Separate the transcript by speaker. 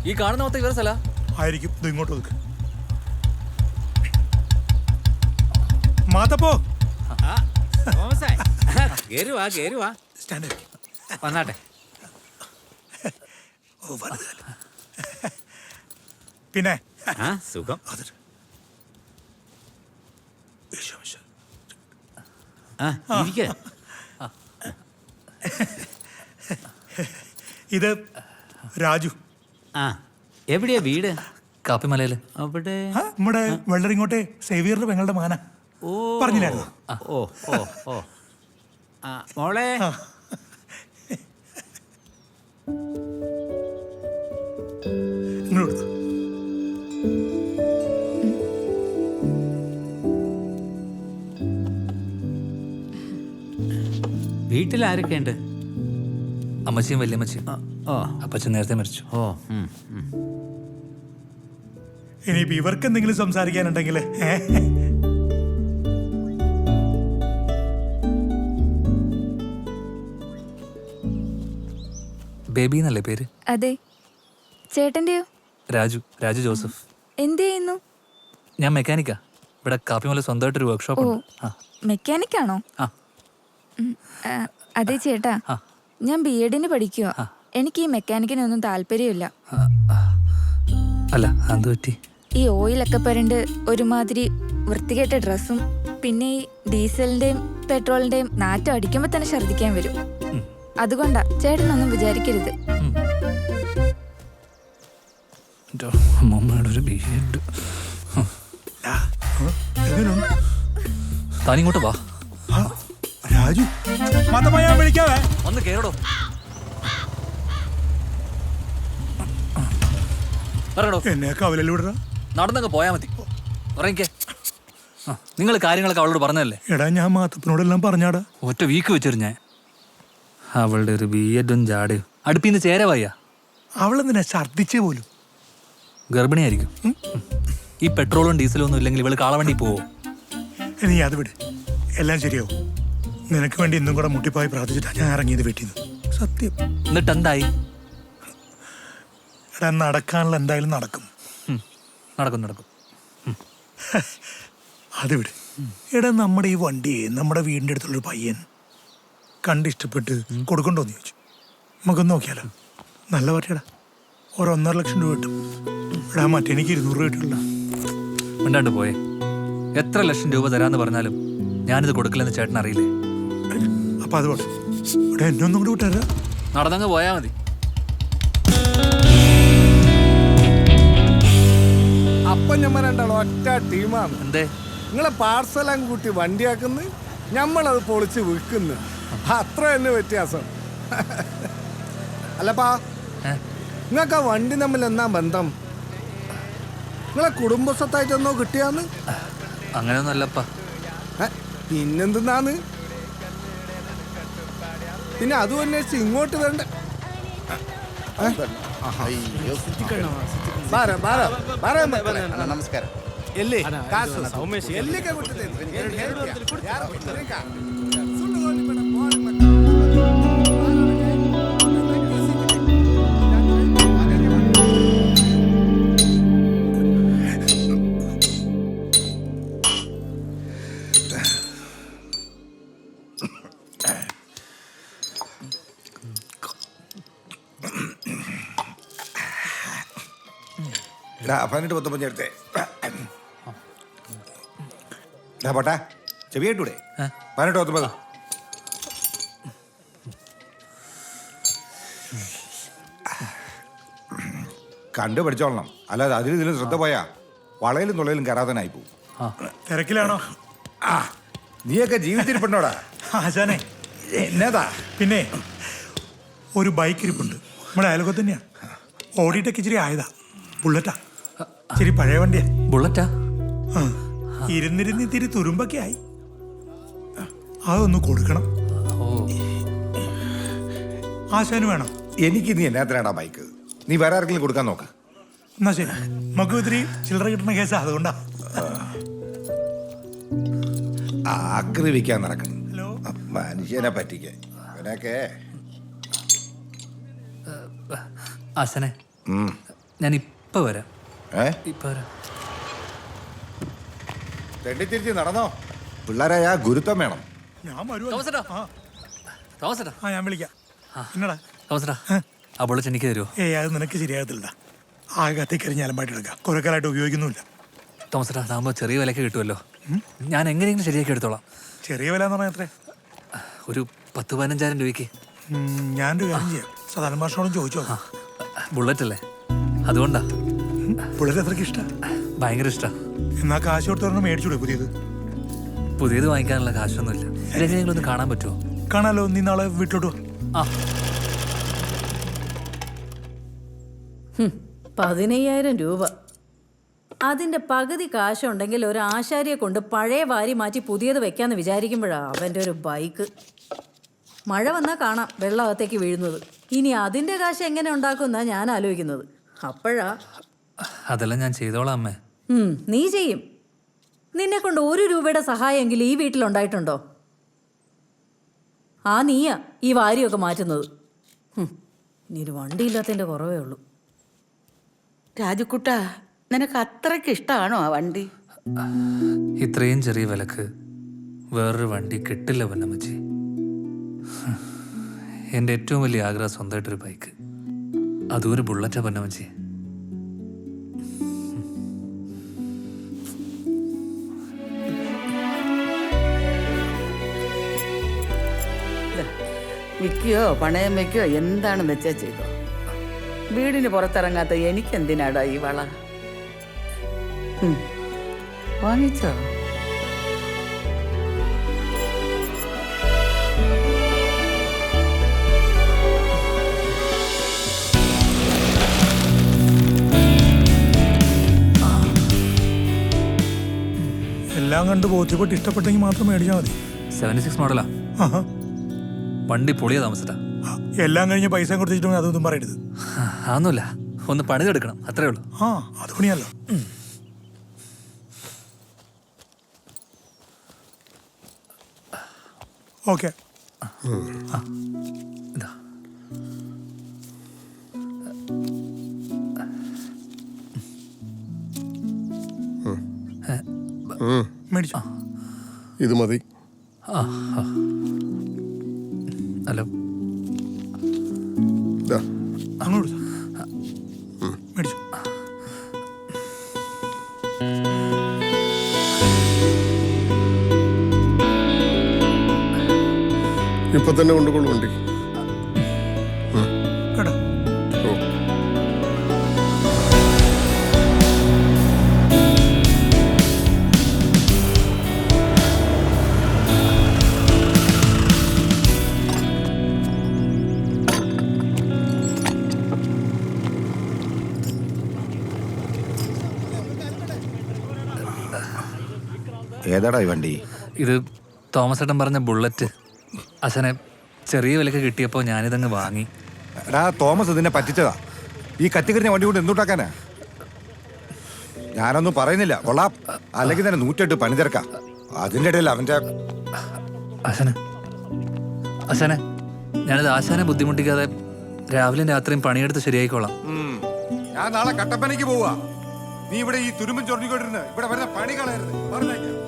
Speaker 1: ഈ കാണുന്ന മൊത്തം ഇവരെ സ്ഥല
Speaker 2: ആയിരിക്കും. ഇത് ഇങ്ങോട്ട് നോക്ക്. മാത്തപ്പോ
Speaker 1: വന്നാട്ടെ.
Speaker 2: പിന്നെ
Speaker 1: സുഖം.
Speaker 2: ഇത് രാജു.
Speaker 1: എവിടെയാ വീട്? കാപ്പിമലയില്. അവിടെ
Speaker 2: നമ്മുടെ വെള്ളരിങ്ങോട്ടെ സേവിയറിന്റെ പെങ്ങളുടെ മാന പറഞ്ഞില്ലായിരുന്നു.
Speaker 1: ഓ ഓ ഓ മോളെ.
Speaker 2: ഇങ്ങോട്ട്
Speaker 1: വീട്ടിൽ ആരൊക്കെ ഉണ്ട്? അമ്മച്ചിയും വല്യമ്മച്ചിയും. അപ്പച്ചൻ നേരത്തെ മരിച്ചു.
Speaker 2: ഇനിയിപ്പോ ഇവർക്ക് എന്തെങ്കിലും സംസാരിക്കാനുണ്ടെങ്കിൽ
Speaker 1: ബേബി എന്നല്ലേ പേര്?
Speaker 3: അതെ. ചേട്ടന്റെയോ?
Speaker 1: രാജു. രാജു ജോസഫ്.
Speaker 3: എന്ത് ചെയ്യുന്നു?
Speaker 1: ഞാൻ മെക്കാനിക്കാ. ഇവിടെ കാപ്പിമല സ്വന്തമായിട്ടൊരു വർക്ക്ഷോപ്പ് ഉണ്ട്.
Speaker 3: മെക്കാനിക്കാണോ? അതെ ചേട്ടാ, ഞാൻ BEdന് പഠിക്കുക. എനിക്ക് ഈ മെക്കാനിക്കിനൊന്നും താല്പര്യമില്ല.
Speaker 1: അല്ല, അത് പറ്റി.
Speaker 3: ഈ ഓയിലൊക്കെ പരണ്ട് ഒരുമാതിരി വൃത്തികെട്ട ഡ്രസ്സും പിന്നെ ഈ ഡീസലിന്റെയും പെട്രോളിന്റെയും നാറ്റം അടിക്കുമ്പോ തന്നെ ഛർദിക്കാൻ വരും. അതുകൊണ്ടാ, ചേട്ടനൊന്നും വിചാരിക്കരുത്.
Speaker 1: താനിങ്ങോട്ട് വാ
Speaker 2: രാജു. ഞാൻ വിളിക്കാവേ.
Speaker 1: ഒന്ന് കേറടോ.
Speaker 2: എന്നെ കവലൂടാ.
Speaker 1: നടന്നങ്ങ് പോയാ മതി. ഉറങ്ങിക്കേ. നിങ്ങൾ കാര്യങ്ങളൊക്കെ അവളോട് പറഞ്ഞല്ലേ?
Speaker 2: എടാ, ഞാൻ മാത്തപ്പനോടെല്ലാം പറഞ്ഞാടാ.
Speaker 1: ഒറ്റ വീക്ക് വെച്ചിരു ഞാൻ. അവളുടെ ഒരു BEdും ജാടയും അടുപ്പിന്ന് ചേരവയ്യ.
Speaker 2: അവളെന്തിനാ ഛർദിച്ചേ പോലും?
Speaker 1: ഗർഭിണിയായിരിക്കും. ഈ പെട്രോളും ഡീസലും ഒന്നും ഇല്ലെങ്കിൽ ഇവള് കാളവണ്ടി പോവോ?
Speaker 2: നീ അത് വിട്, എല്ലാം ശരിയാവും. നിനക്ക് വേണ്ടി ഇന്നും കൂടെ മുട്ടിപ്പായി പ്രാർത്ഥിച്ചിട്ടാ ഞാൻ ഇറങ്ങിയത് വീട്ടിൽ നിന്ന്. സത്യം.
Speaker 1: എന്നിട്ട് എന്തായി?
Speaker 2: എടാ, നടക്കാനുള്ള എന്തായാലും നടക്കും.
Speaker 1: നടക്കും നടക്കും.
Speaker 2: അത് വിട്. എടാ, നമ്മുടെ ഈ വണ്ടിയെ നമ്മുടെ വീടിൻ്റെ അടുത്തുള്ളൊരു പയ്യൻ കണ്ടിഷ്ടപ്പെട്ട് കൊടുക്കണ്ടോന്ന് ചോദിച്ചു. നമുക്കൊന്ന് നോക്കിയാലോ? നല്ല പറ്റിയടാ. 1.5 ലക്ഷം രൂപ കിട്ടും. എടാ, മറ്റെനിക്ക് 200 രൂപ കിട്ടില്ല.
Speaker 1: മിണ്ടാണ്ട് പോയേ. എത്ര ലക്ഷം രൂപ തരാന്ന് പറഞ്ഞാലും ഞാനിത് കൊടുക്കില്ലെന്ന് ചേട്ടൻ അറിയില്ലേ?
Speaker 2: അപ്പൊ അത് വേണം. ഇവിടെ എന്നെ ഒന്നും കൂടി വിട്ടാരാ.
Speaker 1: നടന്നങ്ങ് പോയാ മതി.
Speaker 4: അപ്പൊ ഞമ്മ രണ്ടാളും ഒറ്റ ടീമാണ്.
Speaker 1: എന്തേ?
Speaker 4: നിങ്ങളെ പാർസലും കൂട്ടി വണ്ടിയാക്കുന്നു, ഞമ്മളത് പൊളിച്ച് വിൽക്കുന്നു. അത്ര തന്നെ വ്യത്യാസം. അല്ലപ്പാ, നിങ്ങൾക്ക് ആ വണ്ടി തമ്മിൽ എന്നാ ബന്ധം? നിങ്ങളെ കുടുംബസ്വത്തായിട്ടെന്നോ കിട്ടിയാന്ന്?
Speaker 1: അങ്ങനെയൊന്നും അല്ലപ്പാ.
Speaker 4: പിന്നെന്തെന്നാന്ന്? പിന്നെ അതും അന്വേഷിച്ച് ഇങ്ങോട്ട് വരണ്ട.
Speaker 5: ನಮಸ್ಕಾರ.
Speaker 4: ಎಲ್ಲಿ
Speaker 5: പതിനെട്ട് 19 എടുത്തേ. പോട്ടാ, ചെവി കേട്ടൂടെ? 18 19. കണ്ടു പഠിച്ചോളണം, അല്ലാതെ അതിലും ഇതിലും ശ്രദ്ധ പോയാ വളയിലും തുളയിലും കയറാതനായി പോവും.
Speaker 2: തിരക്കിലാണോ?
Speaker 5: നീയൊക്കെ ജീവിച്ചിരിപ്പുണ്ടോടാ?
Speaker 2: ആശാനെ,
Speaker 5: എന്നതാ?
Speaker 2: പിന്നെ ഒരു ബൈക്ക് ഇരിപ്പുണ്ട് നമ്മുടെ അയൽക്കത്ത് തന്നെയാ. ഓടിയിട്ടൊക്കെ ഇച്ചിരി ആയതാ. ബുള്ളറ്റാ. ഇച്ചിരി പഴയ വണ്ടിയാ.
Speaker 1: ബുള്ളറ്റാ?
Speaker 2: ഇരുന്നിരുന്ന് ഇത്തിരി തുരുമ്പൊക്കെ ആയി. അതൊന്ന് കൊടുക്കണം. ആശാന് വേണം.
Speaker 5: എനിക്ക് നീ എന്നാത്തിനാടാ ബൈക്ക്? നീ വേറെ ആർക്കെങ്കിലും കൊടുക്കാൻ നോക്ക്.
Speaker 2: എന്നാ ശരി, നമുക്ക് ഇത്തിരി ചില്ലറ കിട്ടുന്ന കേസാ, അതുകൊണ്ടാ.
Speaker 5: ആക്രമിക്കാൻ നടക്കണം മനുഷ്യനെ പറ്റിക്കാൻ. ഇവനൊക്കെ
Speaker 1: ആശാനെ, ഞാൻ ഇപ്പൊ വരാം.
Speaker 5: ഏ
Speaker 1: ഇപ്പൊ വരാം.
Speaker 5: തെണ്ടിത്തിരിച്ച് നടന്നോ. പിള്ളേരായ ഗുരുത്വം വേണം.
Speaker 2: ഞാൻ വരുവാ.
Speaker 1: തോമസേട്ടാ.
Speaker 2: ആ
Speaker 1: തോമസേട്ടാ.
Speaker 2: ആ ഞാൻ വിളിക്കാം. എന്നടാ?
Speaker 1: തോമസേട്ടാ, ആ ബുള്ളറ്റ് എനിക്ക് തരുമോ?
Speaker 2: അത് നിനക്ക് ശരിയാകത്തില്ല. ആകെ കത്തിക്കരിഞ്ഞ് അലമ്പായിട്ട് എടുക്കാം. കുറെ കാലമായിട്ട് ഉപയോഗിക്കുന്നുമില്ല.
Speaker 1: തോമസേട്ടാ, അതാകുമ്പോൾ ചെറിയ വിലക്ക് കിട്ടുമല്ലോ. ഞാൻ എങ്ങനെയെങ്കിലും ശരിയാക്കി എടുത്തോളാം.
Speaker 2: ചെറിയ വില എന്ന് പറഞ്ഞാൽ എത്രേ?
Speaker 1: ഒരു 10-15,000 രൂപയ്ക്ക്.
Speaker 2: ഞാനൊരു കാര്യം ചെയ്യാം. സാധാരണ ഭാഷയോടും ചോദിച്ചോ.
Speaker 1: ബുള്ളറ്റ് അല്ലേ, അതുകൊണ്ടാ.
Speaker 2: പിള്ളേർ അത്രയ്ക്ക് ഇഷ്ടം.
Speaker 1: ഭയങ്കര ഇഷ്ടാ.
Speaker 2: എന്നാ കാശ് കൊടുത്തവരണം മേടിച്ചൂടെ പുതിയത്?
Speaker 1: പുതിയത് വാങ്ങിക്കാനുള്ള കാശൊന്നുമില്ല. ഇതെങ്ങനെയെങ്കിലും ഒന്ന് കാണാൻ പറ്റുമോ?
Speaker 2: കാണാലോ, നീ നാളെ വീട്ടിലോട്ട് വാ.
Speaker 1: ആ
Speaker 6: 15,000 രൂപ. അതിൻ്റെ പകുതി കാശുണ്ടെങ്കിൽ ഒരു ആശാരിയെ കൊണ്ട് പഴയ വാരി മാറ്റി പുതിയത് വെക്കാന്ന് വിചാരിക്കുമ്പോഴാണ് അവൻ്റെ ഒരു ബൈക്ക്. മഴ വന്നാൽ കാണാം വെള്ളമകത്തേക്ക് വീഴുന്നത്. ഇനി അതിൻ്റെ കാശ് എങ്ങനെ ഉണ്ടാക്കുമെന്നാണ് ഞാൻ ആലോചിക്കുന്നത്. അപ്പോഴാ
Speaker 1: അതെല്ലാം ഞാൻ ചെയ്തോളാം അമ്മേ.
Speaker 6: നീ ചെയ്യും. നിന്നെ കൊണ്ട് 1 രൂപയുടെ സഹായമെങ്കിലും ഈ വീട്ടിലുണ്ടായിട്ടുണ്ടോ? ആ നീയാ ഈ വാരിയൊക്കെ മാറ്റുന്നത്. ഇനി ഒരു വണ്ടിയില്ലാത്തതിൻ്റെ കുറവേ ഉള്ളൂ.
Speaker 7: രാജുക്കുട്ട, നിനക്ക് അത്രയ്ക്ക് ഇഷ്ടമാണോ ആ വണ്ടി?
Speaker 1: ഇത്രയും ചെറിയ വിലക്ക് വേറൊരു വണ്ടി കിട്ടില്ല പൊന്നമ്മച്ചി. എൻ്റെ ഏറ്റവും വലിയ ആഗ്രഹം സ്വന്തമായിട്ടൊരു ബൈക്ക്, അതും ഒരു ബുള്ളറ്റാ പൊന്നമ്മച്ചി.
Speaker 7: വിൽക്കുകയോ പണയം വയ്ക്കുകയോ എന്താണെന്ന് വെച്ചാൽ ചെയ്തോ. വീടിന് പുറത്തിറങ്ങാത്ത എനിക്കെന്തിനാടാ ഈ വള? വാങ്ങിച്ചോ?
Speaker 2: എല്ലാം കണ്ട് ബോധ്യപ്പെട്ട് ഇഷ്ടപ്പെട്ടെങ്കിൽ മാത്രം മേടിച്ചാൽ മതി.
Speaker 1: 76 മോഡലാ.
Speaker 2: ആഹാ.
Speaker 1: വണ്ടി പൊളിയാ താമസിട്ടാ.
Speaker 2: എല്ലാം കഴിഞ്ഞ് പൈസ കൊടുത്തിട്ടുണ്ടെങ്കിൽ അതൊന്നും പറയരുത്.
Speaker 1: അതൊന്നുമില്ല, ഒന്ന് പണിതെടുക്കണം, അത്രേ ഉള്ളൂ.
Speaker 2: അത് പണിയല്ലോ. ഓക്കെ.
Speaker 1: ഇതാ.
Speaker 2: മേടിച്ചോ.
Speaker 8: ഇത് മതി.
Speaker 1: ഹലോ,
Speaker 2: അങ്ങോട്ട് മേടിച്ചു.
Speaker 8: ഇപ്പൊ തന്നെ കൊണ്ടുകൊള്ളു വണ്ടി.
Speaker 2: കേട്ടോ.
Speaker 8: ഓ,
Speaker 5: ഏതാടാ ഈ വണ്ടി?
Speaker 1: ഇത് തോമസ് ഏട്ടൻ പറഞ്ഞ ബുള്ളറ്റ്. അച്ഛനെ ചെറിയ വിലക്ക് കിട്ടിയപ്പോൾ ഞാനിതങ്ങ് വാങ്ങി.
Speaker 5: എടാ തോമസ് ഇതിനെ പറ്റിച്ചതാ. ഈ കത്തിക്കരിഞ്ഞ വണ്ടി കൊണ്ട് എന്തുണ്ടാക്കാനാ? ഞാനൊന്നും പറയുന്നില്ല, കൊള്ളാം. അല്ലെങ്കിൽ തന്നെ 108 പണി തിരക്കാം. അതിൻ്റെ ഇടയിൽ അവൻ്റെ
Speaker 1: അച്ഛനെ ഞാനിത് ആശാനെ ബുദ്ധിമുട്ടിക്കാതെ രാവിലെയും രാത്രിയും പണിയെടുത്ത് ശരിയായിക്കോളാം.
Speaker 5: ഞാൻ നാളെ കട്ടപ്പനയ്ക്ക് പോവാ. നീ ഇവിടെ ഈ തുരുമ്പും ചൊറിഞ്ഞുകൊണ്ടിരുന്ന് ഇവിടെ വരുന്ന പണി കളയരുത്, പറഞ്ഞേക്കാം.